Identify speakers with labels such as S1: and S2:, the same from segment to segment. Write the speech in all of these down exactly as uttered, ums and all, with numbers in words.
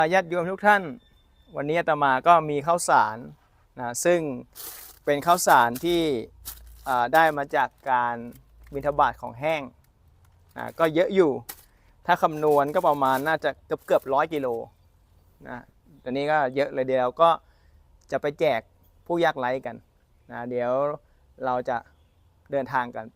S1: ญาติโยมทุกท่านวันนี้อาตมาก็มีข้าวสารนะซึ่งเป็นข้าวสารที่ได้มาจากการบิณฑบาตของแห้งนะก็เยอะอยู่ถ้าคำนวณก็ประมาณน่าจะเกือบเกือบร้อยกิโลนะตอนนี้ก็เยอะเลยเดียวก็จะไปแจกผู้ยากไร้กันนะเดี๋ยวเราจะเดินทางกันไป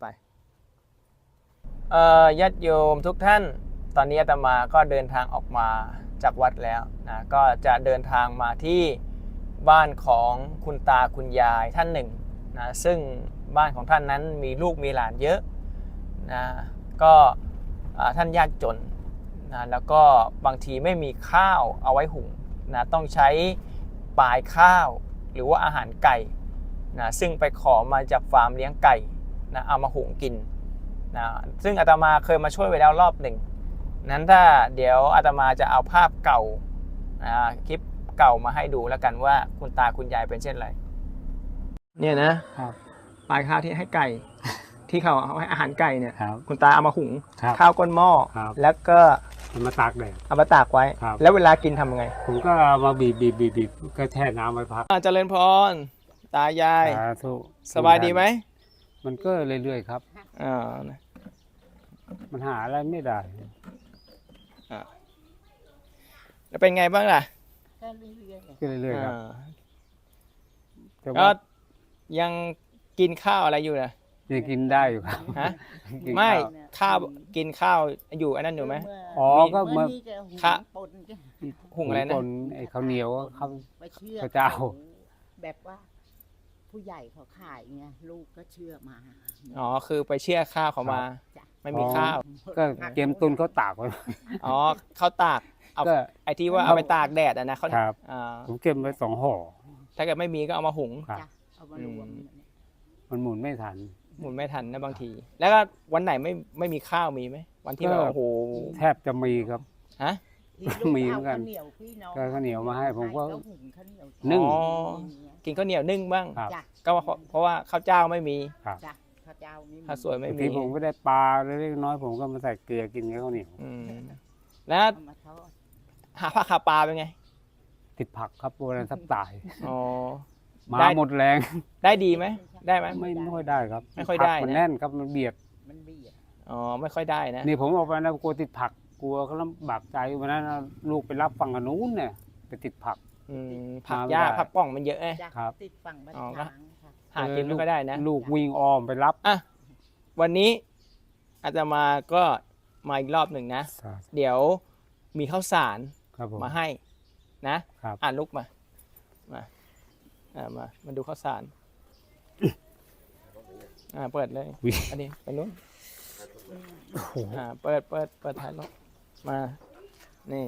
S1: ญาติโยมทุกท่านตอนนี้อาตมาก็เดินทางออกมาจากวัดแล้วนะก็จะเดินทางมาที่บ้านของคุณตาคุณยายท่านหนึ่งนะซึ่งบ้านของท่านนั้นมีลูกมีหลานเยอะนะก็ท่านยากจนนะแล้วก็บางทีไม่มีข้าวเอาไว้หุงนะต้องใช้ปลายข้าวหรือว่าอาหารไก่นะซึ่งไปขอมาจากฟาร์มเลี้ยงไก่นะเอามาหุงกินนะซึ่งอาตมาเคยมาช่วยไว้แล้วรอบหนึ่งนั้นถ้าเดี๋ยวอาตมาจะเอาภาพเก่าคลิปเก่ามาให้ดูแล้วกันว่าคุณตาคุณยายเป็นเช่นไรเนี่ยนะครับปลายข้าวที่ให้ไก่ ที่เขาเอาให้อาหารไก่เนี่ย คุณตาเอามาหุงข้าวก้นหม้อแล้วก็
S2: เอามาตากแดด
S1: เอามาตากไว้แล้วเวลากินทำยังไง
S2: ผมก็เอามาบีบบีบบีบบีบก็แช่น้ำไว้พัก
S1: เจริญพรตายายสบายดีไหม
S2: มันก็เรื่อยๆครับ
S1: อ่า
S2: มันหาอะไรไม่ได้
S1: แล้วเป็นไงบ้างล่ะ
S2: ก็เรื่อยๆครับ
S1: ก็ยังกินข้าวอะไรอยู่นะ
S2: ยังกินได้อยู่ครับ
S1: ฮะไม่ข้าวกินข้าวอยู่อันนั้นอยู่ไหม
S2: อ๋อก็เมื่อ
S1: ข้าหุงอะไรนะ
S2: ไอ้ข้าวเหนียวข้าวข้าวเจ้า
S3: แบบว่าผู้ใหญ่เขาขายไงลูกก็เชื่อมา
S1: อ๋อคือไปเชื่อข้าวเขามาไม่มีข้าว
S2: ก็เกมตุนเขาตากไว้
S1: อ๋อเขาตากเอาไอ้ที่ว่าเอาไปตากแดดอ่ะนะเขา
S2: ครับผมเก็บไว้สองห่อ
S1: ถ้าเกิดไม่มีก็เอามาหุง
S2: มันหมุนไม่ทัน
S1: หมุนไม่ทันนะบางทีแล้วก็วันไหนไม่ไม่มีข้าวมีไหมวันที่แบบโอ้โห
S2: แทบจะมีครับ
S1: ฮะ
S2: มีเหมือนกันก็ข้าวเหนียวมาให้ผมก็นึ่ง
S1: กินข้าวเหนียวนึ่งบ้างก็เพราะว่าข้าวเจ้าไม่มี
S3: ข้าวเจ้า
S1: ข้าวสวยไม่มี
S2: ที่ผมก็ได้ปลาเล็กน้อยผมก็มาใส่เกลือกินกับข้าวเหนียว
S1: แล้วหาผักหาปลาเป็นไง
S2: ติดผักครับโบราณทับตาย
S1: อ๋อ
S2: มาหมดแรง
S1: ได้ดีไหมได้ไหม
S2: ไม่ค่อยได้ครับ
S1: ไม่ค่อยได้
S2: มันแน่นครับมันเบียด
S3: มันเบียด
S1: อ๋อไม่ค่อยได้นะ
S2: นี่ผมออกไปนะกลัวติดผักกลัวเขาลำบากใจวันนั้นลูกไปรับฝั่งนู้นเนี่ยไปติดผัก
S1: ผักยากผักป่องมันเยอะไง
S3: ครับติดฝั่งบ้านช้าง
S1: หากินไม่ค่อยได้นะ
S2: ลูกวิ่งอ้อมไปรับ
S1: อ่ะวันนี้อาตมาก็มาอีกรอบหนึ่งนะเดี๋ยวมีข้าวสารมาให้นะอ่านลุกมามาอ่ามามาดูข้าวสารอ่าเปิดเลยอันนี้ไปนู้นอ่าเปิดเปิดเปิดท้ายรถมานี่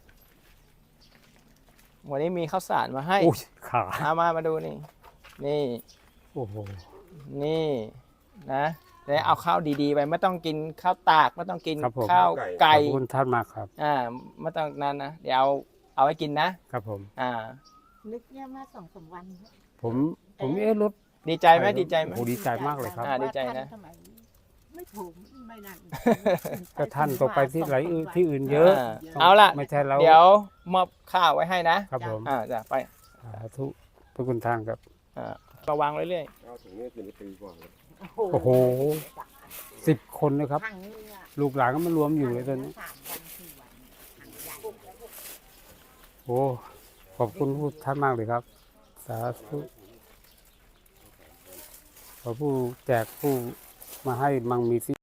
S1: วันนี้มีข้าวสารมาให้
S2: ขา
S1: เอามามาดูนี่นี่
S2: โอ้โห
S1: นี่นะแล้วเอาข้าวดีๆไปไม่ต้องกินข้าวตากไม่ต้องกินข้าวไก่
S2: ขอบคุณท่านมากครับ
S1: อ่าไม่ต้องนั้นนะเดี๋ยวเอาเอาไว้กินนะครับ
S2: ผม
S1: อ่า
S3: นึกเนี่ยมาสองสามวัน
S2: ผมผมเอ๊ะรถ
S1: ดีใจไหมดีใจไหม
S2: โอ้ดีใจมากเลยครับ
S1: ดีใจนะ
S3: ไม่ถูกไม่นั่น
S2: ก็ท่านตกไปที่ไหนที่อื่นเยอะ
S1: เอาล่ะ
S2: ไม่ใช่เรา
S1: เดี๋ยวมอบข้าวไว้ให้นะครับ
S2: ผม
S1: อ่าจะไป
S2: สาธุพระคุณท่านครับ
S1: อ่าระวังเรื่อย
S2: ๆโอ้โหสิบคนนะครับลูกหลานก็มารวมอยู่เลยตอนนี้โอ้ขอบคุณผู้ท่านมากเลยครับสาธุขอผู้แจกผู้มาให้มั่งมีสิ